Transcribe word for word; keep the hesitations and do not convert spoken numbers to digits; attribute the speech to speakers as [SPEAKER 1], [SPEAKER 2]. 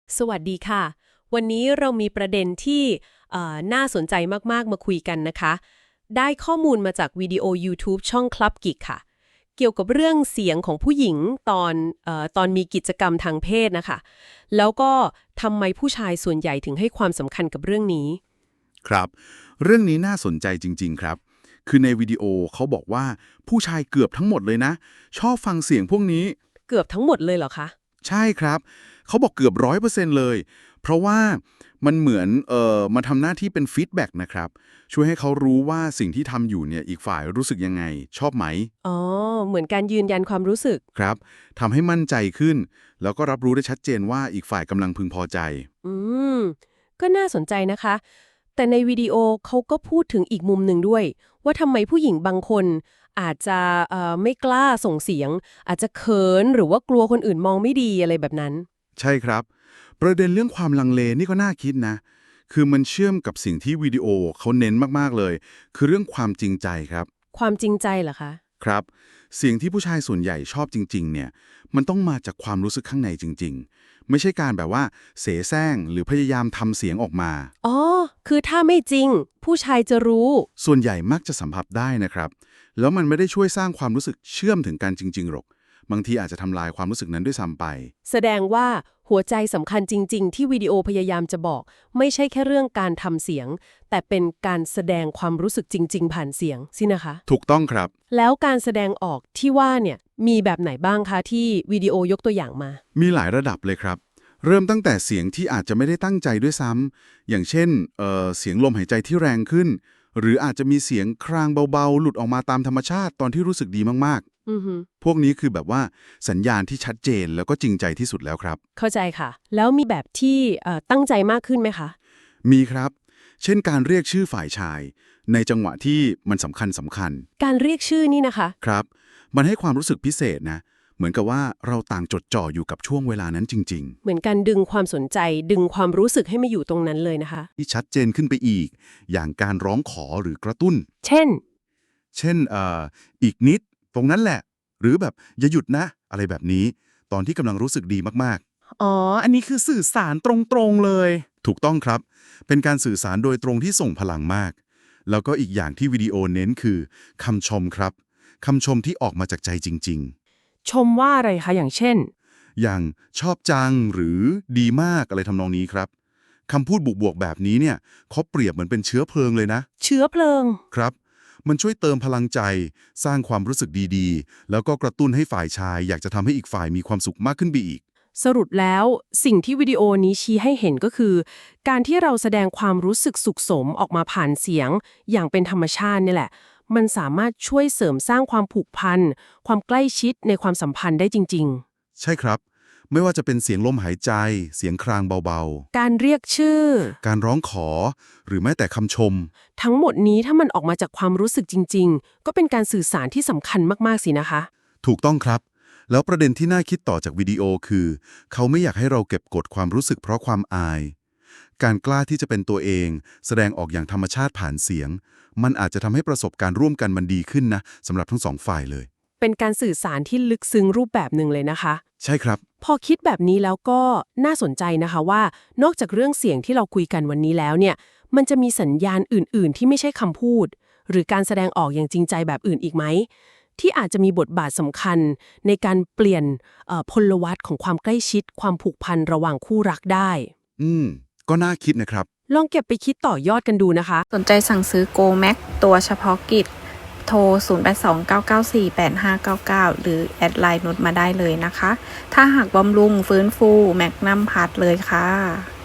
[SPEAKER 1] สวัสดีค่ะวันนี้เรามีประเด็นที่เอ่อน่าสนใจมากๆมาคุยกันนะคะได้ข้อมูลมาจากวิดีโอ YouTube ช่อง Club Geek ค่ะเกี่ยวกับเรื่องเสียงของผู้หญิงตอนเอ่อตอนมีกิจกรรมทางเพศนะคะแล้วก็ทำไมผู้ชายส่วนใหญ่ถึงให้ความสำคัญกับเรื่องนี้
[SPEAKER 2] ครับเรื่องนี้น่าสนใจจริงๆครับคือในวิดีโอเขาบอกว่าผู้ชายเกือบทั้งหมดเลยนะชอบฟังเสียงพวกนี้
[SPEAKER 1] เกือบทั้งหมดเลยเหรอคะ
[SPEAKER 2] ใช่ครับเขาบอกเกือบร้อยเปอร์เซ็นต์เลยเพราะว่ามันเหมือนเอ่อมาทำหน้าที่เป็นฟีดแบ็กนะครับช่วยให้เขารู้ว่าสิ่งที่ทำอยู่เนี่ยอีกฝ่ายรู้สึกยังไงชอบไหม
[SPEAKER 1] อ๋อเหมือนการยืนยันความรู้สึก
[SPEAKER 2] ครับทำให้มั่นใจขึ้นแล้วก็รับรู้ได้ชัดเจนว่าอีกฝ่ายกำลังพึงพอใจ
[SPEAKER 1] อืมก็น่าสนใจนะคะแต่ในวิดีโอเขาก็พูดถึงอีกมุมหนึ่งด้วยว่าทำไมผู้หญิงบางคนอาจจะเอ่อไม่กล้าส่งเสียงอาจจะเขินหรือว่ากลัวคนอื่นมองไม่ดีอะไรแบบนั้น
[SPEAKER 2] ใช่ครับประเด็นเรื่องความลังเลนี่ก็น่าคิดนะคือมันเชื่อมกับสิ่งที่วิดีโอเขาเน้นมากๆเลย คือเรื่องความจริงใจครับ
[SPEAKER 1] ความจริงใจเหรอคะ
[SPEAKER 2] ครับเสียงที่ผู้ชายส่วนใหญ่ชอบจริงๆเนี่ยมันต้องมาจากความรู้สึกข้างในจริงๆไม่ใช่การแบบว่าเสแสร้งหรือพยายามทำเสียงออกมา
[SPEAKER 1] อ๋อคือถ้าไม่จริงผู้ชายจะรู้
[SPEAKER 2] ส่วนใหญ่มักจะสัมผัสได้นะครับแล้วมันไม่ได้ช่วยสร้างความรู้สึกเชื่อมถึงกันจริงๆหรอกบางทีอาจจะทำลายความรู้สึกนั้นด้วยซ้ำไป
[SPEAKER 1] แสดงว่าหัวใจสำคัญจริงๆที่วิดีโอพยายามจะบอกไม่ใช่แค่เรื่องการทำเสียงแต่เป็นการแสดงความรู้สึกจริงๆผ่านเสียงสินะคะ
[SPEAKER 2] ถูกต้องครับ
[SPEAKER 1] แล้วการแสดงออกที่ว่าเนี่ยมีแบบไหนบ้างคะที่วิดีโอยกตัวอย่างมา
[SPEAKER 2] มีหลายระดับเลยครับ เริ่มตั้งแต่เสียงที่อาจจะไม่ได้ตั้งใจด้วยซ้ำอย่างเช่นเอ่อเสียงลมหายใจที่แรงขึ้น หรืออาจจะมีเสียงครางเบาๆ หลุดออกมาตามธรรมชาติตอนที่รู้สึกดีมาก
[SPEAKER 1] อือฮึ
[SPEAKER 2] ๆ พวกนี้คือแบบว่าสัญญาณที่ชัดเจนแล้วก็จริงใจที่สุดแล้วครับ
[SPEAKER 1] เข้าใจค่ะ แล้วมีแบบที่เอ่อตั้งใจมากขึ้นไหมคะ
[SPEAKER 2] มีครับ เช่นการเรียกชื่อฝ่ายชาย ในจังหวะที่มันสำคัญสำคัญ
[SPEAKER 1] การเรียกชื่อนี่นะคะ
[SPEAKER 2] ครับ มันให้ความรู้สึกพิเศษนะ เหมือนกับว่าเราต่างจดจ่ออยู่กับช่วงเวลานั้นจริงๆ
[SPEAKER 1] เหมือนการดึงความสนใจดึงความรู้สึกให้มาอยู่ตรงนั้นเลยนะคะ
[SPEAKER 2] ที่ชัดเจนขึ้นไปอีก อย่างการร้องขอหรือกระตุ้น
[SPEAKER 1] เช่น
[SPEAKER 2] เช่นเอ่ออีกนิด ตรงนั้นแหละ หรือแบบอย่าหยุดนะ อะไรแบบนี้ ตอนที่กำลังรู้สึกดีมาก
[SPEAKER 3] อ๋อ อันนี้คือสื่อสารตรงๆเลย
[SPEAKER 2] ๆ ถูกต้องครับ เป็นการสื่อสารโดยตรงที่ส่งพลังมาก แล้วก็อีกอย่างที่วิดีโอเน้นคือคำชมครับ คำชมที่ออกมาจากใจจริง
[SPEAKER 3] ชมว่าอะไรคะ อย่างเช่น
[SPEAKER 2] ๆ อย่างชอบจังหรือดีมากอะไรทำนองนี้ครับคำพูดบวกๆแบบนี้เนี่ยเขาเปรียบเหมือนเป็นเชื้อเพลิงเลยนะ
[SPEAKER 3] เชื้อเพลิง
[SPEAKER 2] ครับ มันช่วยเติมพลังใจ สร้างความรู้สึกดีๆ แล้วก็กระตุ้นให้ฝ่ายชาย อยากจะทำให้อีกฝ่ายมีความสุขมากขึ้นไปอีก
[SPEAKER 1] สรุปแล้วสิ่งที่วิดีโอนี้ชี้ให้เห็นก็คือ การที่เราแสดงความรู้สึกสุขสมออกมาผ่านเสียง อย่างเป็นธรรมชาตินี่แหละ มันสามารถช่วยเสริมสร้างความผูกพันความใกล้ชิดในความสัมพันธ์ได้จริง
[SPEAKER 2] ใช่ครับ ไม่ว่าจะเป็นเสียงลมหายใจ เสียงครางเบา
[SPEAKER 1] ๆ การเรียกชื่อ
[SPEAKER 2] ๆ การร้องขอ หรือแม้แต่คำชม
[SPEAKER 1] ทั้งหมดนี้ถ้ามันออกมาจากความรู้สึกจริงๆ ก็เป็นการสื่อสารที่สำคัญมากๆสินะคะ
[SPEAKER 2] ถูกต้องครับ แล้วประเด็นที่น่าคิดต่อจากวิดีโอคือ เขาไม่อยากให้เราเก็บกดความรู้สึกเพราะความอาย การกล้าที่จะเป็นตัวเอง แสดงออกอย่างธรรมชาติผ่านเสียง มันอาจจะทำให้ประสบการณ์ร่วมกันมันดีขึ้นนะสำหรับทั้งสองฝ่ายเลย
[SPEAKER 1] เป็นการสื่อสารที่ลึกซึ้งรูปแบบหนึ่งเลยนะคะ
[SPEAKER 2] ใช่ครับ
[SPEAKER 1] พอคิดแบบนี้แล้วก็น่าสนใจนะคะว่านอกจากเรื่องเสียงที่เราคุยกันวันนี้แล้วเนี่ยมันจะมีสัญญาณอื่นๆ ที่ไม่ใช่คำพูด หรือการแสดงออกอย่างจริงใจแบบอื่นอีกไหมที่อาจจะมีบทบาทสำคัญในการเปลี่ยนเอ่อพลวัตของความใกล้ชิด ความผูกพันระหว่างคู่รักได้
[SPEAKER 2] อืม ก็น่าคิดนะครับ
[SPEAKER 1] ลองเก็บไปคิดต่อยอดกันดูนะคะ
[SPEAKER 4] สนใจสั่งซื้อ Go Max ตัวเฉพาะกิจโทร ศูนย์ แปด สอง เก้า เก้า สี่ แปด ห้า เก้า เก้า หรือแอดไลน์นุชมาได้เลยนะคะ ถ้าหากบำรุงฟื้นฟูแมกนัมพัทเลยค่ะ